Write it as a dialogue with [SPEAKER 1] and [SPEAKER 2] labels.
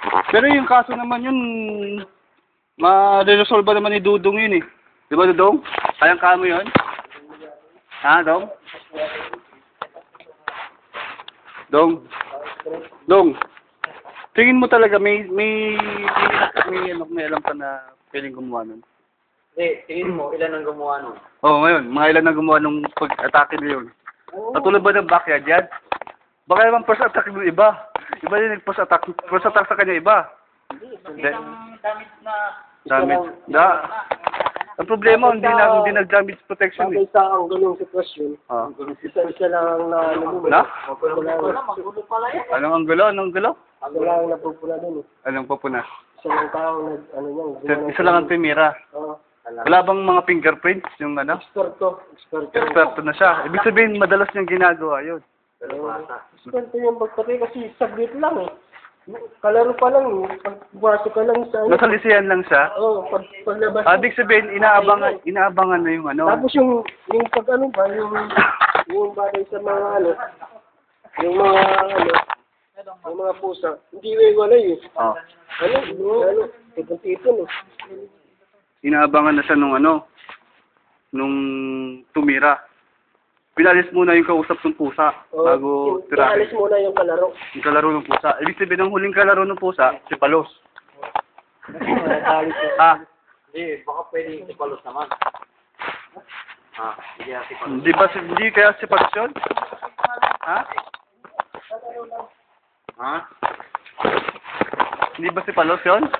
[SPEAKER 1] Pero yung kaso naman yun, ma-resolve naman ni Dudong yun eh. Di ba, Dudong? Kayang kamo yun? Ha, Dong? Dong? Dong? Tingin mo talaga may alam ka na pwedeng gumawa nun?
[SPEAKER 2] Tingin mo, ilan ang gumawa nun?
[SPEAKER 1] Oo, ngayon, mga ilan na gumawa nung pag-atake na yun. Katulad ba ng backyard yan? Baka naman first attack ng iba. Iba din nag-first attack sa kanya iba.
[SPEAKER 2] Hindi. Damit na...
[SPEAKER 1] Damage. Ang problema, hindi nag-damage protection eh.
[SPEAKER 3] Sa ang ganung sitwasyon,
[SPEAKER 1] Ah.
[SPEAKER 3] isa lang na
[SPEAKER 1] Na?
[SPEAKER 2] Magulo pala yan.
[SPEAKER 1] Anong anggulo?
[SPEAKER 3] Isa lang napupula dun eh.
[SPEAKER 1] Anong papuna?
[SPEAKER 3] Isa lang tao
[SPEAKER 1] Isa lang ang primera.
[SPEAKER 3] Oo.
[SPEAKER 1] Wala bang mga fingerprints? Yung ano?
[SPEAKER 3] Experto
[SPEAKER 1] Experto na siya. Ibig sabihin, madalas niyang ginagawa yun.
[SPEAKER 3] Experto yung pagpatay kasi saglit lang eh. Kalaro pa lang eh. Pagpasok ka lang sa
[SPEAKER 1] Nasa lisiyan lang siya.
[SPEAKER 3] Oo, paglabas.
[SPEAKER 1] Ibig sabihin, inaabangan na yung ano.
[SPEAKER 3] Tapos yung pag ano ba, yung bagay sa mga ano, yung mga pusa, hindi iwalay eh.
[SPEAKER 1] Oh.
[SPEAKER 3] Tipon-tipon eh.
[SPEAKER 1] Inaabangan na siya nung tumira. Pinalis muna yung kausap ng pusa bago tirahin.
[SPEAKER 3] Pinalis muna yung kalaro.
[SPEAKER 1] Yung kalaro ng pusa. Ibig sabihin, ang huling kalaro ng pusa, si Palos.
[SPEAKER 2] Hindi, baka pwede si Palos naman. Hindi si Palos.
[SPEAKER 1] Hindi kaya si Palos yun? Ha? Hindi ba si Palos yun?